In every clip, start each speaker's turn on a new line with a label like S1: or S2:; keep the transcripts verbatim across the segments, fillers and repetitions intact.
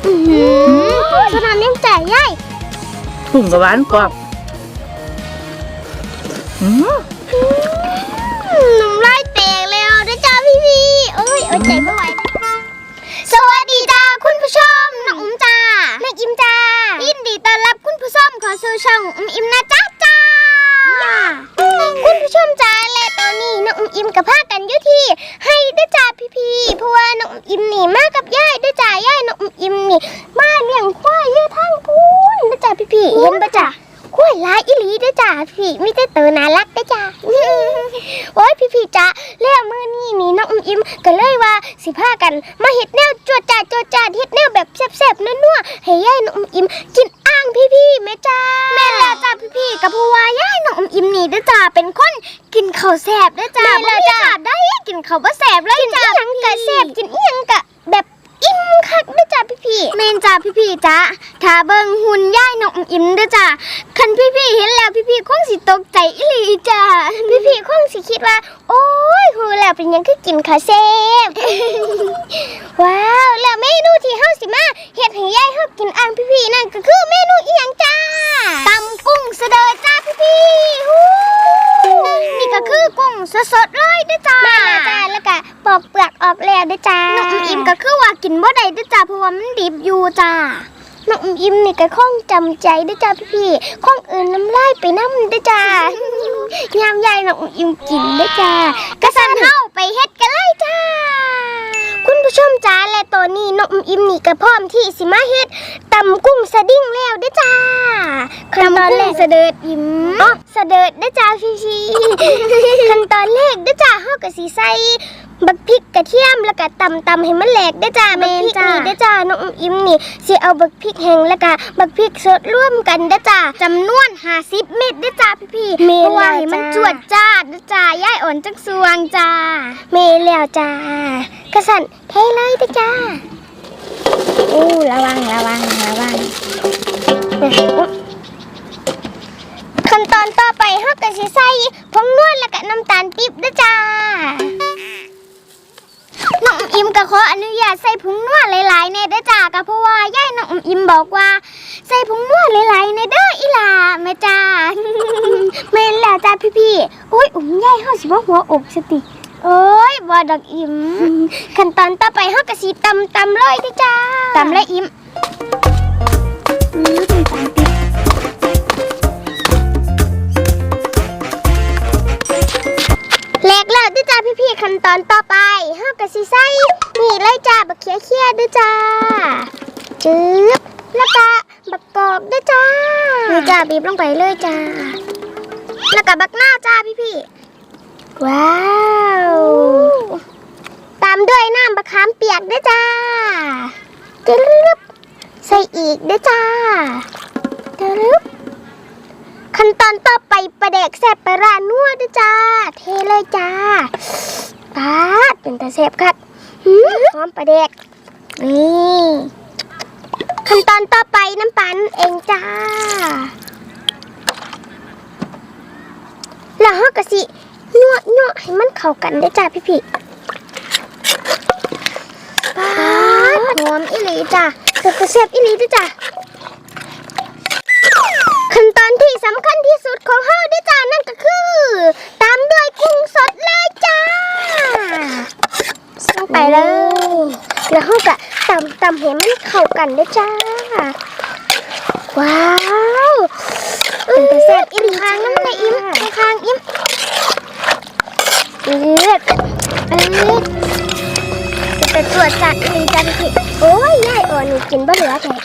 S1: สนามยังแจกย่าย
S2: กุ้งกับหวานกรอบ
S1: น้ำลายแตกแล้วนะจ้าพี่พี่เอ้ยเอ้ยใจไม่ไหวสวัสดีจ้าคุณผู้ชมน้องอุ้มจ้าแม่อิมจ้ายินดีต้อนรับคุณผู้ชมขอสู่ช่องอุ้มอิมนะจ้าจ้าคุณผู้ชมจ้าและตอนนี้น้องอุ้มอิมกับพากันอยู่ที่ให้ด้วยจ้าพี่พี่เพราะว่าน้องอุ้มอิมหนีมากับย่ายด้วยจ้าย่ายน้องอุ้มอิมนี่มาเลี้ยงควายเยอะทั้งพูนด้วยจ้าพี่พี่เห็นปะจ้าควายลายอีหลีด้วยจ้าพี่ไม่ได้เตอน่ารักด้วยจ้าโอ้ยพี่พี่จ้าแล้วมือนี่นี่น้องอุ้มอิมก็เลยว่าสิพากันมาเฮ็ดแนวจวดจ้าจวดจ้าเฮ็ดแนวแบบแซ่บๆนัวๆให้ย่ายน้องอุ้มอิมกินอ่างพี่พี่แม่จ้าแม่แล้วจ้าพี่พี่กับผู้ว่าย่ายน้องอุ้มอิมนี่ด้วยจ้าเป็นคนกินข้าวแซ่บด้วยจ้าแม่แล้วจ้าได้กินข้าวบ่แซ่บเลยจ้ากินอีหยังก็แซ่บกินอีหยังก็แบบอิ่มคักด้วยจ้าพี่พี่เมนจ้าพี่พี่จ้าถ้าเบิ่งหุ่นย่ายน้องอิ่มด้วยจ้าคันพี่พี่เห็นแล้วพี่พี่คงสิตกใจอีหลีจ้าพี่พี่คงสิคิดว่าโอ้ยหูแล้วเป็นยังคือกินข้าวแซ่บ ว้าวแล้วเมนูที่เฮาสิมาเฮ็ดให้ย่ายเฮากินอ่างพี่พี่นั่นก็คือเมนูอีหยังจ้าตำกุ้งเสดอจ้าพี่พี่นี่ก็คือกุ้งสดๆเลยด้วยจ้าแม่ละจ้าแล้วก็ปอกเปลือกออกแล้วด้วยจ้าน้องอิ่มก็คือว่ากินบ่ได้ด้วยจ้าเพราะว่ามันดิบอยู่จ้าน้องอิ่มนี่ก็คงจำใจด้วยจ้าพี่พี่คงอื่นน้ำลายไปน้ำด้วยจ้ายามยายน้องอิ่มกินด้วยจ้ากระสันเฮาไปเฮ็ดกันเลยจ้าคุณผู้ชมจ้าและตอนนี้น้องอิ่มนี่ก็พร้อมที่สิมาเฮ็ดตำกุ้งสะดิ้งแล้วด้วยจ้าขั้นตอนแรกสะเดิดอิ่มอ๋อสะเดิดด้วยจ้าพี่พี่ขั้นตอนแรกด้วยจ้าเฮาก็สิใส่บักพริกกระเทียมแล้วก็ตำตำให้มันแหลกด้วยจ้าบักพริกนี่ด้วยจ้าน้องอิ่มนี่สิเอาบักพริกแห้งแล้วก็บักพริกสดร่วมกันด้วยจ้าจำนวนห้าสิบเม็ดด้วยจ้าพี่พี่เพราะว่าให้มันจวดจ้าด้วยจ้าย่ายอ่อนจักสวงจ้าเมแล้วจ้ากระสันเทเลยด้วยจ้าอู้ระวังระวังระวังขั้นตอนต่อไปเฮาก็สิใส่ผงนวดแล้วก็น้ำตาลปี๊บด้วยจ้าน้องอิ่มก็ขออนุญาตใส่ผงนวดหลายๆในเด้อจ้าก็เพราะว่าย่ายน้องอิ่มบอกว่าใส่ผงนวดหลายๆในเด้ออีหล่าแม่จ้าแม่นแล้วจ้าพี่ๆโอ้ยอุ้มย่ายเฮาสิบ่หัวอกสติโอ้ยบ่ดอกอิ่มขั้นตอนต่อไปเฮาก็สิตำตำเลยเด้อจ้าตำเลยอิ่มอือน้ำตาลปี๊บแหลกแล้วด้วยจ้าพี่ๆขั้นตอนต่อไปเฮาก็สิใส่นี่เลยจ้าบักเขียเขียด้วยจ้าจึ๊บแล้วก็บักกอกด้วยจ้านี่จ้าบีบลงไปเลยจ้าแล้วก็บักหน้าจ้าพี่ๆว้าวตามด้วยน้ำมะขามเปียกด้วยจ้าจึ๊บใส่อีกด้วยจ้าจึ๊บขั้นตอนต่อไปปลาแดกแซ่บปลาร้านัวด้วยจ้าเทเลยจ้าป๊าดเป็นตาแซ่บครับหอมปลาแดกนี่ขั้นตอนต่อไปน้ำปลาเองจ้าแล้วเราก็สินัวนัวให้มันเข้ากันด้วยจ้าพี่พี่ป๊าดหอมอีหลีจ้าแล้วก็แซ่บอีหลีด้วยจ้าขั้นตอนที่สำคัญที่สุดของเฮาด้วยจ้านั่นก็คือตามด้วยกุ้งสดเลยจ้าลงไปเลยแล้วเฮาก็ตำตำให้มันเข้ากันด้วยจ้าว้าวเป็นแต่แซ่บอิ่มคางน้ำเลยอิ่มคางอิ่มเลือดเออจะเป็นตัวจัดอีจ้าพี่โอ้ยยายอ่อนนี่กินบ่เหลือแท้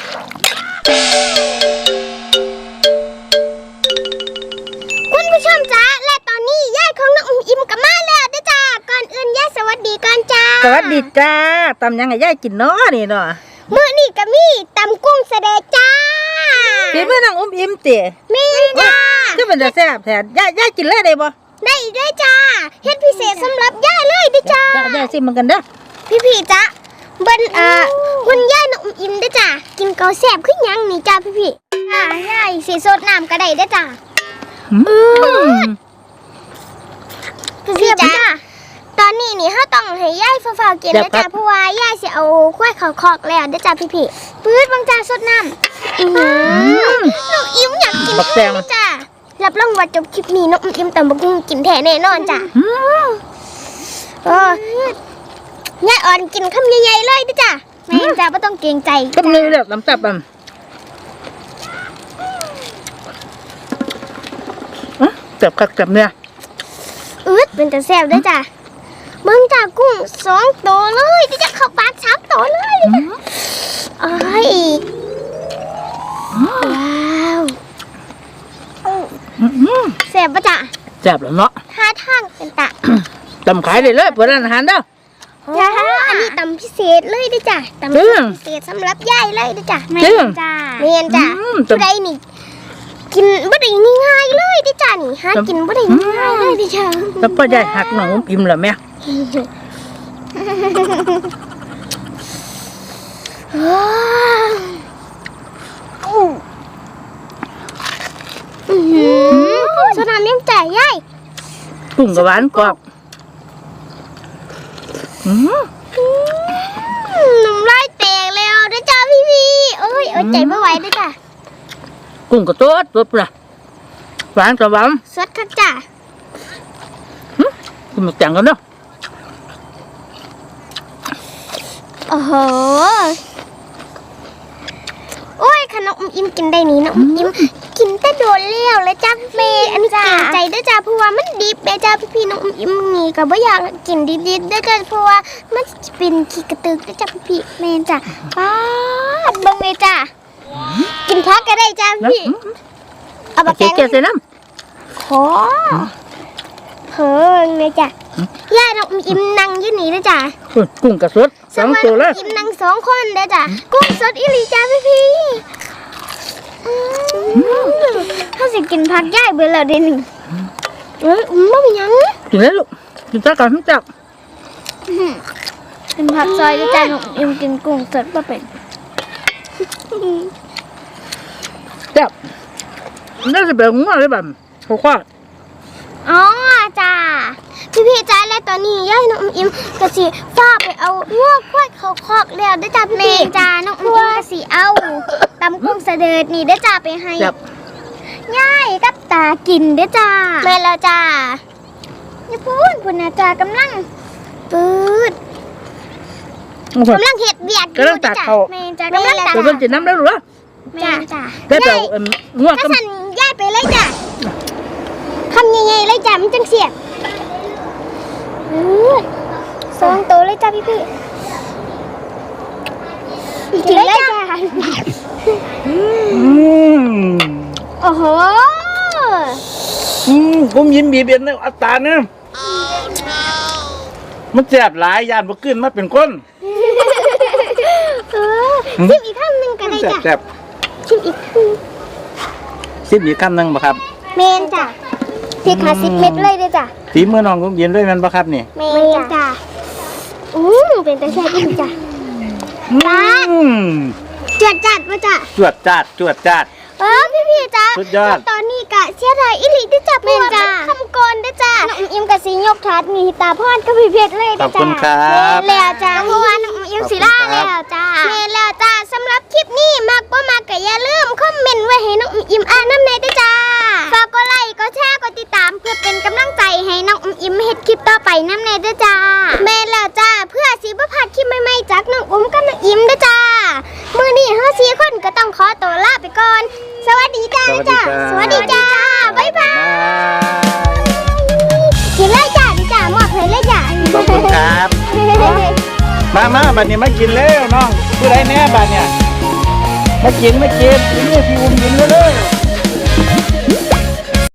S1: คุณผู้ชมจ้าและตอนนี้ย่ายของน้องอุ้มอิ่มกับมาแล้วด้วยจ้าก่อนอื่นย่ายสวัสดีก่อนจ้า
S2: สวัสดีจ้าตำยังไงย่ายกินเนาะนี่เนาะ
S1: มื้อนี้ก็มีตำกุ้งเสดจ้า
S2: พี่มื้อน้องอุ้มอิ่มติ
S1: มีจ้า
S2: ก็เป็นจะแซ่บแท้ย่ายย่ายกินเลยได้บ่
S1: ได้ด้วยจ้าเฮ็ดพิเศษสำหรับย่ายเลยด้วยจ้า
S2: ย่ายสิมันกันเด้อ
S1: พี่ๆจ้าเบิ่นเอ่อคุณย่ายน้องอุ้มอิ่มด้วยจ้ากินเกาแซ่บขึ้นยังนี่จ้าพี่ๆอ่าย่ายสิสดน้ำก็ได้ด้วยจ้า
S2: อืม
S1: พี่จ้าตอนนี้นี่เฮาต้องให้ยายฟ้าวๆกิน
S2: เดี๋ยว
S1: นะจ้ะ
S2: ครับ
S1: เพราะว่ายายสิเอากล้วยเขาคอกแล้วเด้อจ้ะพี่ๆปื๊ดบางจ้าสดน้ำอื้อหือน้องอิ่มอยากกิน
S2: บักแตง
S1: เลยจ้ะรับรองว่าจบคลิปนี้น้องอิ่มตำบักหุ่งกินแท้แน่นอนจ้ะ
S2: อืม
S1: เออยายอ่อนกินคำใหญ่ๆเลยเด้อจ้ะแม่จ้ะบ่ต้องเกรงใจ
S2: ก็มือเด้อน้ำจับอ่ะอ่ะจับคักจับเนี่ย
S1: อืดเป็นแต่แซ่บเด้อจ้ะเบิ่งจ้ะกุ้งสองตัวเลยเด้อจ้ะเข้าปากสามตัวเลยเด้อจ้ะเอ้ยว้าว
S2: อื้อหือ
S1: แซ่บปะจ้ะ
S2: จับแล้วเนาะ
S1: ท่าทางเป็นตะ
S2: ตำขายได้เลยเปิดร้านอาหารเด้อ
S1: จ้าอันนี้ตำพิเศษเลยเด้อจ้ะตำ
S2: จริง
S1: พิเศษสำหรับยายเลยเด้อจ้ะ
S2: จริง
S1: จ้าเมียนจ้ะ
S2: อืม
S1: ผู้ใดนี่ กินบ่ได้ง่ายๆเลยเด้อจ้ะนี่หากินบ่ได้ง่ายๆเลยเด้อจ้ะ
S2: แล้วพ่อใหญ่หักหนองอุ้มอิ่มแล้วแม่
S1: ว้าวอื้อหือสนามยังจ่ายยาย
S2: กุ้งกับหวานกรอบอืม
S1: น้ำลายแตกแล้วเด้อจ้ะพี่พี่ๆเอ้ยเอาใจบ่ไหวเด้อจ้ะ
S2: กุ้งกับตัวตัวปลาหวานกับหวาน
S1: สดคักจ้ะ
S2: กินหมึกจังกันเนาะ
S1: โอ้โห โอ้ยขนมอิ่มกินได้นี่นะอิ่มกินแต่โดนแล้วเลยจ้าพี่อันนี้เก่งใจด้วยจ้าเพราะว่ามันดิบเลยจ้าพี่ๆน้องอิ่มนี่ก็บ่อยากกินดิบๆด้วยจ้าเพราะว่ามันจะเป็นขี้กระตึกด้วยจ้าพี่ๆแม่นจ้าป้าดเบิ่งเลยจ้ากินพักก็ได้จ้าพี่เอาบักแก
S2: เจ๊
S1: ง
S2: เจ๊ใส่น้
S1: ขอเพิ่งเลยจ้าย่าน้องอิ่มนั่งอยู่นี่ด้วยจ้า
S2: ำอุ้ยกุ้งกับสดสองตัวเลย
S1: กินนังสองคนเด้อจ้ะกุ้งสดอีหลีจ้าพี่พี่ถ้าสิกินผักย่ายเบื่อแล้วเดี๋ยวนี้เอ้ยอุ้มบ่มีหยัง
S2: กินเลยลูกกินซะก่อนทั้งจับ
S1: เป็นผักซอยเด้อจ้ะหนูอิ่มกินกุ้งสดบ่เป็น
S2: จับน่าจะแบบงัวเลยแบบเขาคว้า
S1: อ๋อจ้าพี่พี่ๆจ้าและตอนนี้ย่ายน้องอิ่มก็สิฟ้าไปเอางวกควายเขาคอกแล้วเด้อจ้าพี่พี่จ้าน้องอิ่มก็สิเอาตำกุ้งเสด็จนี่เด้อจ้าไปให้
S2: จับ
S1: ย่ายกับตากินเด้อจ้าแม่แล้วจ้าอย่าพูดพูดนะจ้ากำลังปืด
S2: โอ้โห
S1: กำลังเห็ดเบียด
S2: กำลังตักเข้า
S1: แม่จ้ากำลังตัก
S2: เดี๋ยวมันจะน้ำแล้วหรือ
S1: แม่จ้า
S2: ได้เปล่าเอิ่มงัว
S1: ถ้า
S2: กับ
S1: สั่นย่ายไปเลยจ้าคำใหญ่ๆเลยจ้ามันจังเสียบปืดสองตัวเลยจ้าพี่พี่อีกทีเลยจ้า
S2: อืม
S1: โอ้โห
S2: อืมผมยิ้มบีบเบียนในอัตราเนี่ยมันแสบหลายยานบ่ขึ้นมาเป็นคน
S1: เออชิมอีกคำหนึ่งก็ได้
S2: แสบ
S1: จ้ะ
S2: แสบ
S1: ชิมอีกคำ
S2: ซิมอีกคำหนึ่งบ่ครับ
S1: เมนจ้ะพริกห้าสิบเม็ดเลยเด้อจ้ะ
S2: ฝีมือน้องผมเย็นด้วยแมันบ่ครับนี่
S1: เมนจ้ะอืมเป็นตาแซ่บอีกจ้ะ
S2: อืม
S1: จวดจัดมาจ้ะ
S2: จวดจาดจวดจาด
S1: เออพี่พี่ๆจ้ะ
S2: สุดยอด
S1: ตอนนี้กะเสียดายอีหลีเด้อจ้ะเมนจ้ะคำกรเด้อจ้ะน้องอิมกะสิยกถาดมีตาพอนกับพี่เพชรเลย
S2: ข
S1: เด้
S2: อ
S1: อบ จ้ะ
S2: คุณครับ
S1: เมนแล้วจ้ะเพราะว่าน้องอิมสิล่าแล้วจ้ะเมนแล้วจ้ะสำหรับคลิปนี้มักบ่มักก็อย่าลืมคอมเมนต์ไว้ให้น้องอิมอ่านน้ำในเด้อจ้ะฝากกดไลค์กดแชร์กดติดตามเพื่อเป็นกำลังใจให้น้องอิมเฮ็ดคลิปต่อไปน้ำในเด้อจ้ะเมนแล้วจ้ะเพื่อสิบ่พลาดคลิปใหม่ๆจากน้องอุ้มกับน้องอิมเด้อจ้ะมื้อนี้เฮาสี่คนก็ต้องขอตัวลาไปก่อน สวัสดีจ้า
S2: สวัสดี
S1: จ้า
S2: จ้า
S1: สวัสดีจ้า บ๊ายบาย
S2: บาย
S1: กินเลยจ้าดิจ้ามอบเลยเลยจ้า
S2: ขอบคุณครับ มามาบัดนี้มากินแล้วน้องผู้ใดแน่บัดเนี่ยมากินมากินกินนี่พี่อุ้มกินเร็วๆ